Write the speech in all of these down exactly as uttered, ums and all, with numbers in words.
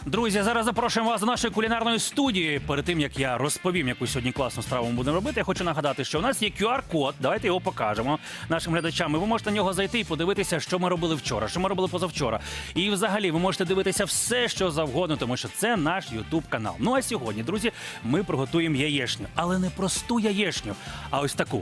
Друзі, зараз запрошуємо вас до нашої кулінарної студії. Перед тим, як я розповім, яку сьогодні класну страву ми будемо робити, я хочу нагадати, що у нас є кю ар-код. Давайте його покажемо нашим глядачам. І ви можете на нього зайти і подивитися, що ми робили вчора, що ми робили позавчора. І взагалі ви можете дивитися все, що завгодно, тому що це наш ютуб-канал. Ну а сьогодні, друзі, ми приготуємо яєчню. Але не просту яєчню, а ось таку.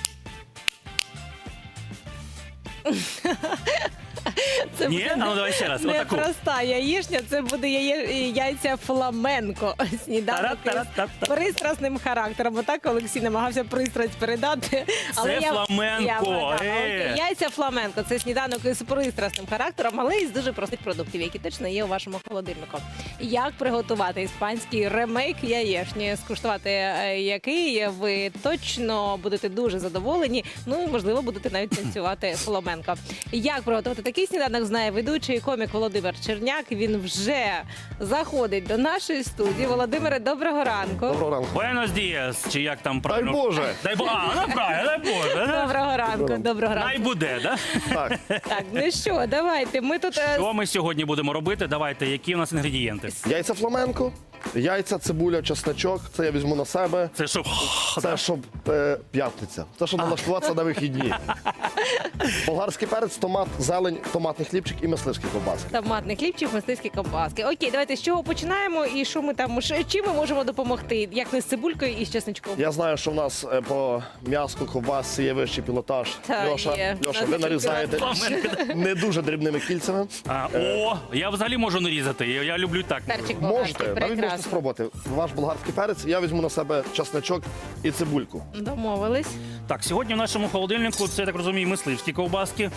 Це Ні? А ну давай ще раз. не Отаку. проста яєчня, це буде яє... яйця фламенко. Сніданок із Тара-тара-та-та. пристрасним характером. Отак Олексій намагався пристрасть передати. Це фламенко, Я вгадала. е. Окей. Яйця фламенко. Це сніданок із пристрасним характером, але із дуже простих продуктів, які точно є у вашому холодильнику. Як приготувати іспанський ремейк яєчні, скуштувати е, який ви точно будете дуже задоволені, ну і, можливо, будете навіть танцювати фламенко. Як приготувати такий сніданок, знає ведучий і комік Володимир Черняк. Він вже заходить до нашої студії. Володимире, доброго ранку. Доброго ранку. Буенос діас, чи як там Дай правильно? Боже. Дай Боже. А, ну правильно, дай Боже. Доброго ранку, доброго Най ранку. буде, да? Так, Так, ну що, давайте. Ми тут е, Що ми сьогодні будемо робити? Давайте, які у нас інгредієнти? яйця фламенко, яйця, цибуля, чесночок. Це я візьму на себе. Це що? Це щоб е, п'ятниця. Це щоб налаштуватися на вихідні. Болгарський перець, томат, зелень, томатний хлібчик і мисливські ковбаски. томатний хлібчик, мисливські ковбаски. Окей, давайте з чого починаємо і що ми там, ш- чим ми можемо допомогти? Як не з цибулькою і з чесничком? Я знаю, що в нас е, по м'яску, ковбасці є вищий пілотаж. Та, Льоша, є. Льоша, Нас ви нарізаєте Фламенко. не дуже дрібними кільцями. А, о, я взагалі можу нарізати. Я, я люблю так. Перчик болгарський, Можете, навіть можете прекрасно. спробувати. Ваш болгарський перець, я візьму на себе чесночок і цибульку. Домовились. Так, сьогодні в нашому холодильнику, це, я так розумію, мисливські ковбаски.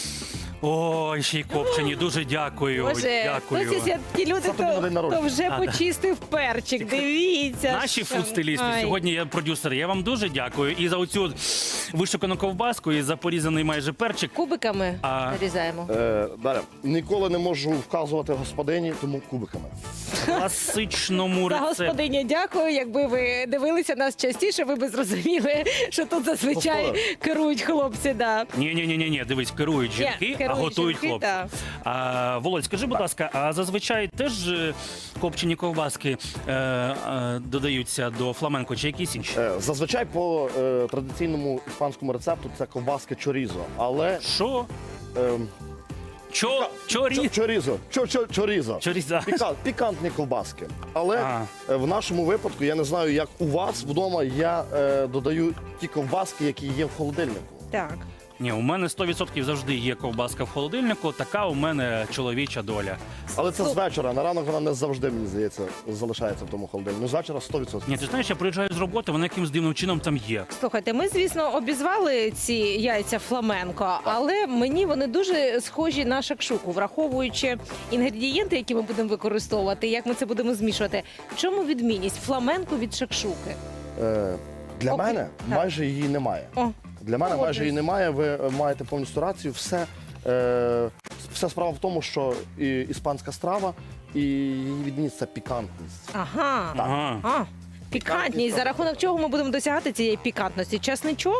Ой, ще й копчені. Дуже дякую. Боже, дякую. хтось із ті люди, Це тобі на хто, день народження. хто вже почистив перчик. Дивіться. Наші що- фудстилісти, Ай. сьогодні я продюсер. Я вам дуже дякую. І за оцю вишукану ковбаску, і за порізаний майже перчик. Кубиками А. нарізаємо. Е, Дар'я, ніколи не можу вказувати господині, тому кубиками. В класичному За рецепті. господиня дякую. Якби ви дивилися нас частіше, ви б зрозуміли, що тут зазвичай Господар. керують хлопці. Да. Ні, ні, ні, ні, дивись, керують Ні, жінки, а керують готують жінки, хлопці. так. А, Володь, скажи, будь ласка, а зазвичай теж е, копчені ковбаски е, е, додаються до фламенко чи якісь інші? Е, Зазвичай по е, традиційному іспанському рецепту це ковбаски чорізо, але Що? е, Чо? Чорі? чо- чорізо, чо, чо, чорізо. Чоріза. Піка- пікантні ковбаски. Але А. е, в нашому випадку, я не знаю, як у вас вдома, я е, додаю ті ковбаски, які є в холодильнику. Так. Ні, у мене сто відсотків завжди є ковбаска в холодильнику, така у мене чоловіча доля. Але це з Супер. вечора. На ранок вона не завжди, мені здається, залишається в тому холодильнику. Ну, з вечора сто відсотків. Ні, ти знаєш, я приїжджаю з роботи, вона якимсь дивним чином там є. Слухайте, ми, звісно, обізвали ці яйця фламенко, але мені вони дуже схожі на шакшуку, враховуючи інгредієнти, які ми будемо використовувати, як ми це будемо змішувати. В чому відмінність фламенко від шакшуки? Е, для Окей. мене Так. майже її немає. О, Для мене Погоджуюсь. майже її немає. Ви е, маєте повністю рацію. Все, е, вся справа в тому, що і, іспанська страва і її відмінність це пікантність. ага. Ага. А, пікантність. За рахунок чого ми будемо досягати цієї пікантності? Чесничок?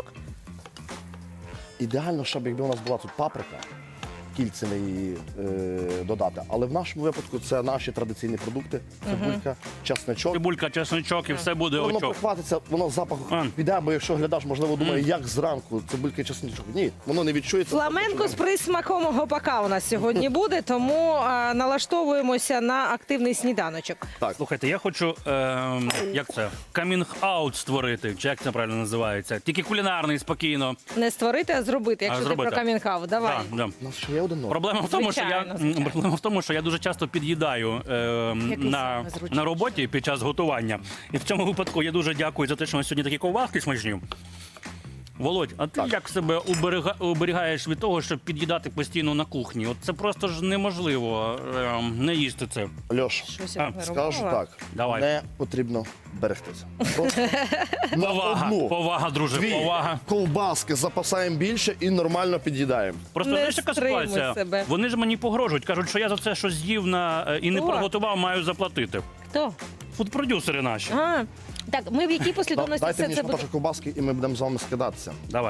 Ідеально, щоб якби у нас була тут паприка, кільцями її е, додати. Але в нашому випадку це наші традиційні продукти: цибулька, чесничок. Цибулька, чесничок і все буде Воно очок. прихватиться, воно запах А. піде, бо якщо глядач, можливо, думає, Мгм. як зранку цибулька і чесничок. Ні, воно не відчується. Фламенко з присмаком гопака у нас сьогодні буде, тому а, налаштовуємося на активний сніданочок. Так, Слухайте, я хочу, ем, як це, камінг-аут створити, чи як це правильно називається? Тільки кулінарний, спокійно. Не створити, а зробити, якщо зробити. ти про камінг-аут. Давай. Да, да. у нас ще є один ноль. Проблема в тому, що я Звичайно, звичайно. проблема в тому, що я дуже часто під'їдаю ем, Який на, саме зручний? на роботі під час готування. І в цьому випадку я дуже дякую за те, що у нас сьогодні такі ковбаски смачні. Володь, а ти Так. як себе уберега, уберігаєш від того, щоб під'їдати постійно на кухні? От це просто ж неможливо ем, не їсти це. Льош, Щось А, я не скажу робила. так, Давай. не потрібно берегтися. Просто на Повага, одну, повага, друже, дві повага. ковбаски запасаємо більше і нормально під'їдаємо. Просто Не знаєш, яка стримуй ситуація? себе. Вони ж мені погрожують, кажуть, що я за це щось з'їв на е, і не Хто? приготував, маю заплатити. Хто? Фудпродюсери наші. А, так, ми в якій Да- послідовності Дайте все мені це буде? шматочок ковбаски і ми будемо з вами скидатися. Давай.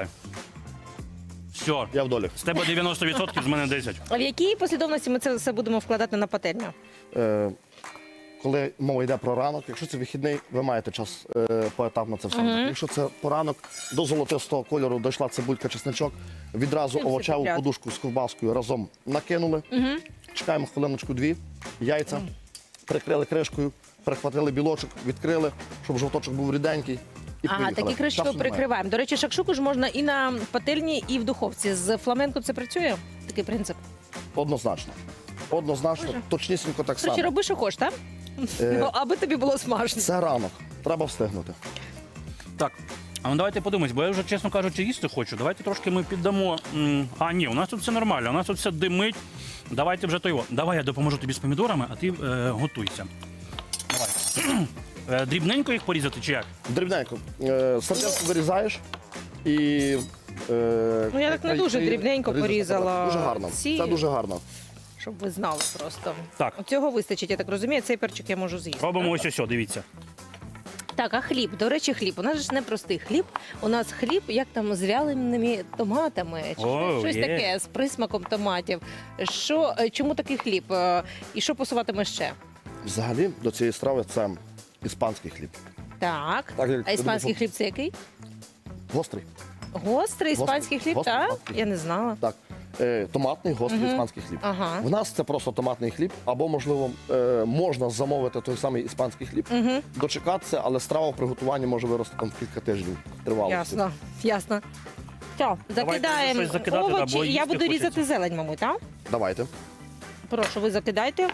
Все. Я в долі. З тебе дев'яносто відсотків, з мене десять. А в якій послідовності ми це все будемо вкладати на пательню? Е, коли мова йде про ранок, якщо це вихідний, ви маєте час е, поетапно це все. робити. Якщо це поранок, до золотистого кольору дійшла цибулька, чесничок, відразу Чим овочеву всипляти? подушку з ковбаскою разом накинули, чекаємо хвилиночку-дві, яйця, прикрили кришкою, перехватили білочок, відкрили, щоб жовточок був ріденький. І Ага, поїхали. такі кришечки Часу немає. прикриваємо. До речі, шакшуку ж можна і на пательні, і в духовці. З фламенко це працює? Такий принцип. Однозначно. Однозначно, точнісінько так Короче, само. роби, що хочеш, так? Е, Ну, аби тобі було смачно. Це ранок, треба встигнути. Так. А ну давайте подумаємо, бо я вже, чесно кажучи, їсти хочу. Давайте трошки ми піддамо. м, А, ні, у нас тут все нормально, у нас тут все димить. Давайте вже то його. Давай я допоможу тобі з помідорами, а ти е, готуйся. Давай. Е, Дрібненько їх порізати чи як? Дрібненько. Е, Сардинку вирізаєш і. Е, Ну, я так не і- дуже і дрібненько ріжеш порізала апарат. Дуже гарно. ці. Це дуже гарно. Щоб ви знали просто. Так. Цього вистачить, я так розумію, цей перчик я можу з'їсти. Робимо ось ось, дивіться. Так, а хліб, до речі, хліб. У нас же ж не простий хліб. У нас хліб, як там з вяленими томатами, чи О, щось є. таке з присмаком томатів. Що, е, чому такий хліб? Е, І що посуватиме ще? Взагалі до цієї страви це іспанський хліб. Так. Так, як А іспанський ти хліб це який? Гострий. Гострий іспанський хліб, Гострий, так? гострий. Я не знала. Так. Е, Томатний, гострий Мгм. іспанський хліб. Ага. В нас це просто томатний хліб, або, можливо, е, можна замовити той самий іспанський хліб, Угу. дочекатися, але страва в приготуванні може вирости там в кілька тижнів тривалості. Ясно, ясно. Що, закидаємо щось закидати, овочі. або Я їсти буду хочеться. різати зелень, мабуть, так? Давайте. Прошу, ви закидайте.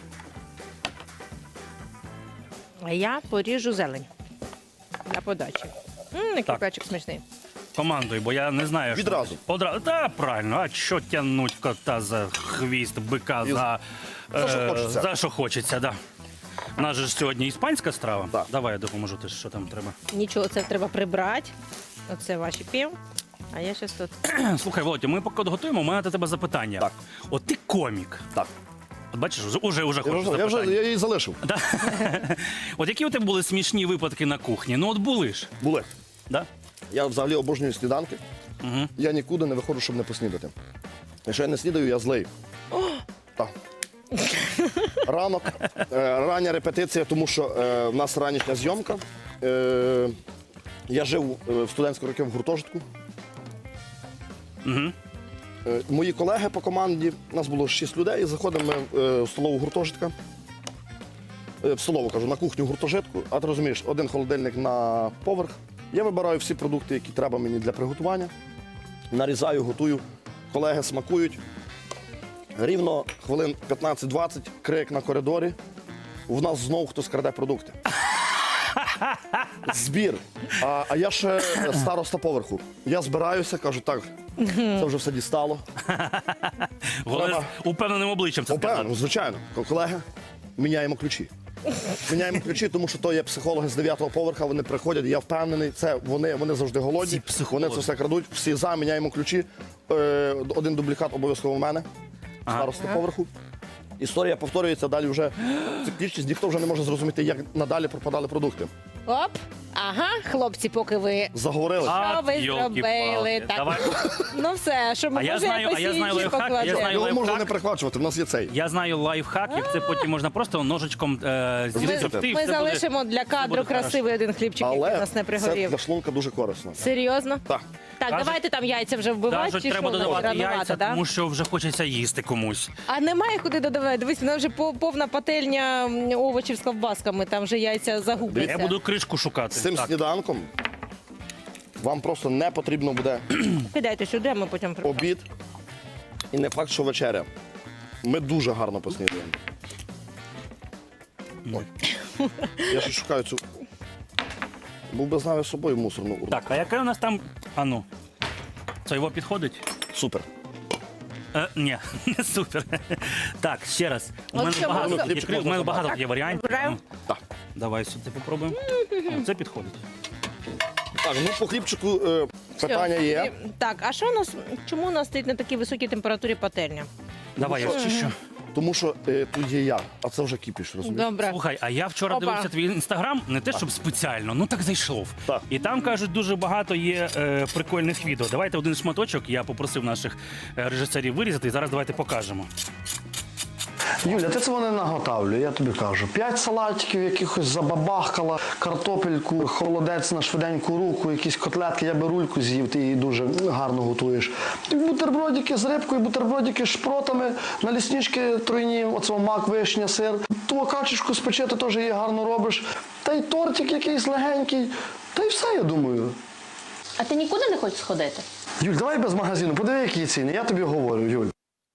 А я поріжу зелень для подачі. Мм, який Так. перчик смачний. Командуй, бо я не знаю. що Відразу. робити. Одразу. Та правильно, а що тягнуть кота за хвіст, бика І за, за що е, хочеться. за що хочеться, да. У нас же ж сьогодні іспанська страва. Так. Давай я допоможу, ти що там треба. Нічого, це треба прибрати. Оце ваші пів. А я зараз тут. Слухай, Володя, ми поки готуємо, у мене до тебе запитання. Так. От ти комік. Так. От бачиш, уже, уже, уже Я хочу вже, я запитання. вже я її залишив. Да? От які у тебе були смішні випадки на кухні? Ну от були ж. Були. Да? Я взагалі обожнюю сніданки. Угу. Я нікуди не виходжу, щоб не поснідати. Якщо я не снідаю, я злий. Так. Ранок, е, рання репетиція, тому що е, в нас ранішня зйомка. Е, я жив е, в студентські роки в гуртожитку. Угу. Е, мої колеги по команді, нас було шість людей, заходимо ми е, в столову гуртожитка. Е, в столову, кажу, на кухню гуртожитку, а ти розумієш, один холодильник на поверх. Я вибираю всі продукти, які треба мені для приготування. Нарізаю, готую. Колеги смакують. Рівно хвилин п'ятнадцять-двадцять, крик на коридорі. В нас знову хтось краде продукти. Збір. А, а я ще староста поверху. Я збираюся, кажу, так, це вже все дістало. Головне, Треба- з упевненим обличчям це Опевно, сказати. звичайно. Колеги, міняємо ключі. Міняємо ключі, тому що то є психологи з дев'ятого поверха, вони приходять, я впевнений, це вони, вони завжди голодні, Ці психологи. вони це все крадуть, всі за, міняємо ключі. Е, один дублікат обов'язково в мене, Ага. староста поверху. Історія повторюється, далі вже циклічність, ніхто вже не може зрозуміти, як надалі пропадали продукти. Оп! Ага, хлопці, поки ви. Заговорили. А, Що ви йолки-палки. зробили? Так. Давай. Ну все, що ми А я може знаю- а я знаю посіючі лайфхак, я покладемо. знаю- Його можна лайфхак. не перехвачувати, в нас є цей. Я знаю лайфхак, як це потім можна просто ножичком е, зрізати. Ми- і Ми все залишимо для буде кадру красивий один хлібчик, який у Але нас не це пригорів. для шлунка дуже корисно. Серйозно? Так. Так, Кажуть- давайте там яйця вже вбивати, Кажуть, чи треба що? додавати Рановато, яйця, да? тому що вже хочеться їсти комусь. А немає куди додавати. Дивись, вона вже по- повна пательня м, овочів з ковбасками, там вже яйця загубляться. Я буду кришку шукати. З цим Так. сніданком вам просто не потрібно буде Кидайте сюди, а ми потім при- обід. І не факт, що вечеря. Ми дуже гарно поснідаємо. Ой. Я ще шукаю цю. Був би знав я з собою мусорну урну. Так, а яке у нас там. А ну. Це його підходить? Супер. Е, ні, не супер. Так, ще раз. У От мене що багато, можна? відкрив- у мене багато є варіантів. Вибираємо? Ну, Так. Давай сюди попробуємо. О, це підходить. Так, ну по хлібчику е, питання Все. є. Так, а що у нас, чому у нас стоїть на такій високій температурі пательня? Давай, я чищу. Тому що е, тут є я, а це вже кіпіш, розумієш? Добре. Слухай, а я вчора Опа. дивився твій інстаграм, не те, щоб спеціально, ну так зайшов. Так. І там кажуть, дуже багато є е, прикольних відео. Давайте один шматочок, я попросив наших е, режисерів вирізати, і зараз давайте покажемо. Юля, ти цього не наготавлю, я тобі кажу. П'ять салатиків, якихось забабахкала, картопельку, холодець на швиденьку руку, якісь котлетки, я би рульку з'їв, ти її дуже гарно готуєш. І бутербродики з рибкою, бутербродики з шпротами, наліснички тройні, оцього мак, вишня, сир. Ту качечку спечити теж її гарно робиш. Та й тортик якийсь легенький. Та й все, я думаю. А ти нікуди не хочеш сходити? Юль, давай без магазину, подиви, які ціни, я тобі говорю, Юль.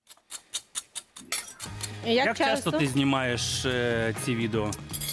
Як, Як часто ти знімаєш е, ці відео?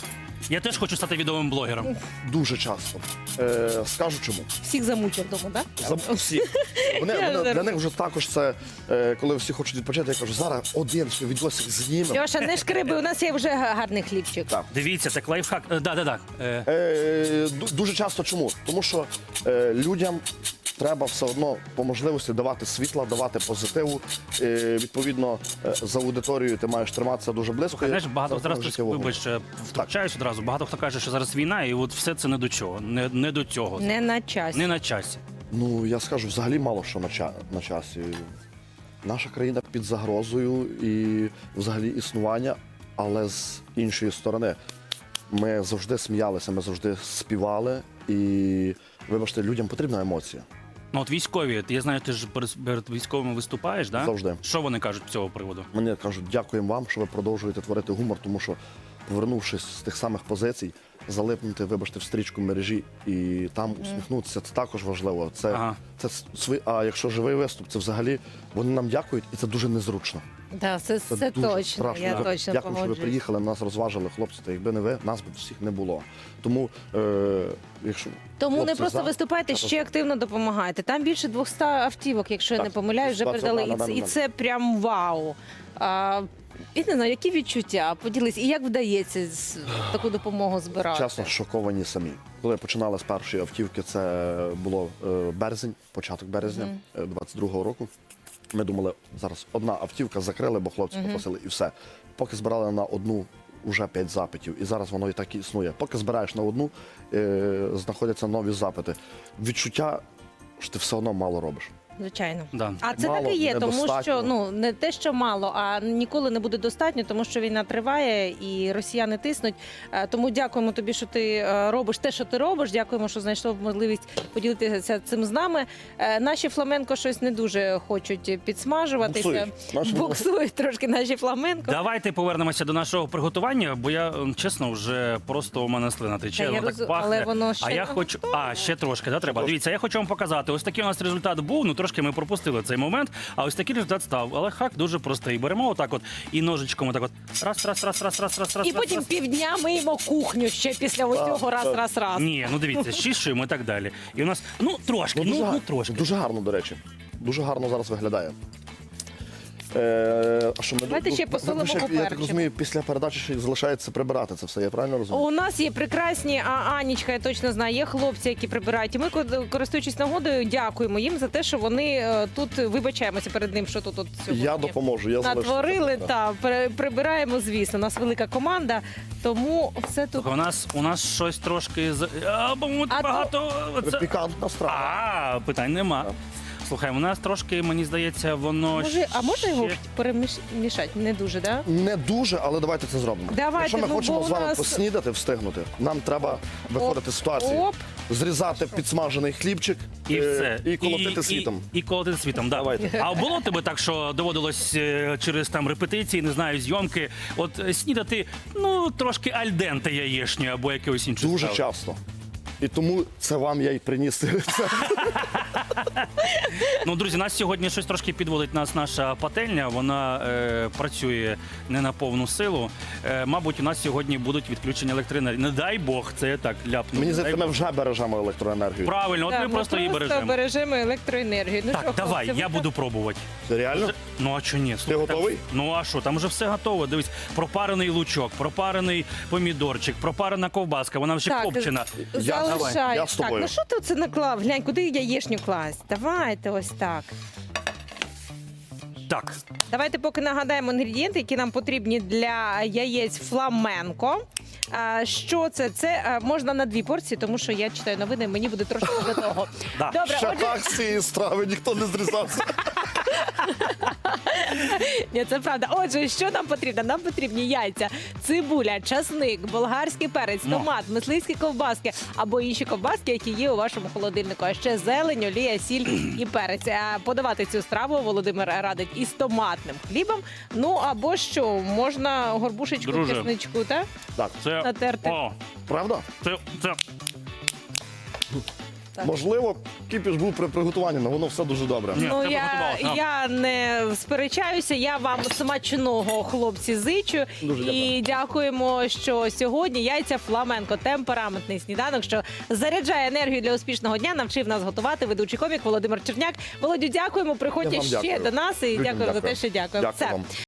Я теж хочу стати відомим блогером. Дуже часто. Е, скажу чому. Всіх замучив вдома, так? За всі. Вони, Я вони, зараз- для них вже також це, е, коли всі хочуть відпочити, я кажу, зараз один ще відосик знімемо. Льоша, не шкриби, у нас є вже гарний хлібчик. Так. Дивіться, так лайфхак. Е, да, да, да. Е, Е, ду- дуже часто чому? Тому що е, людям треба все одно по можливості давати світла, давати позитиву. Е, відповідно, е, за аудиторією ти маєш триматися дуже близько. Знаєш, багато Це зараз життєвий вогонь. вибач, е, втручаюсь одразу. Багато хто каже, що зараз війна, і от все це не до чого. Не, не до цього. Не на часі. Не на часі. Ну, я скажу, взагалі мало що на, ча- на часі. Наша країна під загрозою і взагалі існування, але з іншої сторони. Ми завжди сміялися, ми завжди співали, і, вибачте, людям потрібна емоція. Ну от військові, я знаю, ти ж перед перед військовими виступаєш, да? Завжди. Що вони кажуть з цього приводу? Мені кажуть, дякуємо вам, що ви продовжуєте творити гумор, тому що, повернувшись з тих самих позицій, залипнути, вибачте, в стрічку мережі і там усміхнутися, це також важливо. Це, Ага. це свої, а якщо живий виступ, це взагалі вони нам дякують, і це дуже незручно. Так, це, Це, це дуже точно. страшно. Я Дякую, точно Дякую, що ви погоджуюсь. приїхали, нас розважили, хлопці. Та якби не ви, нас б всіх не було. Тому, е, якщо Тому хлопці не просто за, виступайте, також- ще активно допомагайте. Там більше двохсот автівок, якщо я Так, не помиляюсь, вже ситуація передали. І на це, даний і це прям вау. А, і не знаю, які відчуття? Поділись. І як вдається з- таку допомогу збирати? Чесно, шоковані самі. Коли починали з першої автівки, це було е, березень, початок березня е, двадцять другого року. Ми думали, зараз одна автівка закрили, бо хлопці попросили, і все. Поки збирали на одну, вже п'ять запитів. І зараз воно і так і існує. Поки збираєш на одну, е, знаходяться нові запити. Відчуття, що ти все одно мало робиш. Звичайно. Да. А це Мало, так і є, тому недостатньо. що ну не те, що мало, а ніколи не буде достатньо, тому що війна триває і росіяни тиснуть. Е, Тому дякуємо тобі, що ти е, робиш те, що ти робиш. Дякуємо, що знайшов можливість поділитися цим з нами. Е, Наші фламенко щось не дуже хочуть підсмажуватися. Буксують. Наші Буксують трошки наші фламенко. Давайте повернемося до нашого приготування, бо я м, чесно вже просто у мене слина тече, Та я воно роз- так пахне. але воно ще а я не хочу. А, ще трошки, да, треба. Дивіться, я хочу вам показати. Ось такий у нас результат був. Ну трошки ми пропустили цей момент. А ось такий результат став. Але хак дуже простий. Беремо отак от і ножичком отак от. Раз, раз, раз, раз, раз, раз, раз. І раз, потім раз. півдня миємо кухню ще після оцього раз, раз, раз. Ні, ну дивіться, щішуємо і так далі. І у нас, ну трошки, ну, дуже, ну, гар- трошки. дуже гарно, до речі. Дуже гарно зараз виглядає. Е, а що ми Давайте ще ви- посолимо, ви ще, Я так поперчимо. розумію, після передачі ще й залишається прибирати це все. Я правильно розумію? У нас є прекрасні а Анічка, я точно знаю, є хлопці, які прибирають. І ми, користуючись нагодою, дякуємо їм за те, що вони е, тут вибачаємося перед ним, що тут от сьогодні Я допоможу. Я залишу натворили. це. Та при- прибираємо, звісно. У нас велика команда, тому все тут. Слухай, У нас у нас щось трошки з а, по-моєму, А то- багато. Це... Пікантна страва. А, питань нема. Слухай, у нас трошки, мені здається, воно Може, а можна його ще- перемішати? Не дуже, да? Не дуже, але давайте це зробимо. Давайте, Якщо ми ну, хочемо бо з у вами нас- поснідати, встигнути, нам треба виходити з ситуації. Оп. Зрізати підсмажений хлібчик І е, все. і колотити світом. І, і колотити світом, да. Давайте. А було тебе так, що доводилось е, через там репетиції, не знаю, зйомки, от е, снідати, ну, трошки альденте яєшню або якогось іншого. Дуже часто. І тому це вам я й приніс. Ну, друзі, нас сьогодні щось трошки підводить нас наша пательня. Вона е, працює не на повну силу. Е, мабуть, у нас сьогодні будуть відключення електроенергії. Не дай Бог, це я так ляпну. Мені Не здається, дай ми вже бережемо електроенергію. Бог. Правильно, от Да, ми просто її бережемо. бережемо електроенергію. Ну, Так, що, давай, хлопці, я ви буду пробувати. Реально? Ну а що ні? Слухай, там- готовий? ну а що, там вже все готово. Дивись, пропарений лучок, пропарений помідорчик, пропарена ковбаска, вона вже Так, копчена. Я- Залишай. давай, я з Так, тобою. ну що ти це наклав? Глянь, куди яєшню класть? Давайте ось так. Так, Давайте поки нагадаємо інгредієнти, які нам потрібні для яєць фламенко. А, що це? Це а, можна на дві порції, тому що я читаю новини, мені буде трошки до того. Да. Добре, Ще отже, так з цієї страви ніхто не зрізався. Ні, це правда. Отже, що нам потрібно? Нам потрібні яйця, цибуля, часник, болгарський перець, Ну. томат, мисливські ковбаски або інші ковбаски, які є у вашому холодильнику. А ще зелень, олія, сіль і перець. А подавати цю страву Володимир радить із томатним хлібом. Ну або що, можна горбушечку, Друже. чесничку, так? Так, Це, Натерти. о, правда? це, це Так. Можливо, кіпіш був при приготуванні, але воно все дуже добре. Ні, Ну, це я, приготувалося. я не сперечаюся. Я вам смачного, хлопці, зичу. Дуже І дякуємо, що сьогодні яйця фламенко, темпераментний сніданок, що заряджає енергію для успішного дня, навчив нас готувати ведучий комік Володимир Черняк. Володю, дякуємо. Приходьте Я вам ще дякую. до нас і Людям дякуємо за дякую. те, що дякуємо. Дякую Все. вам.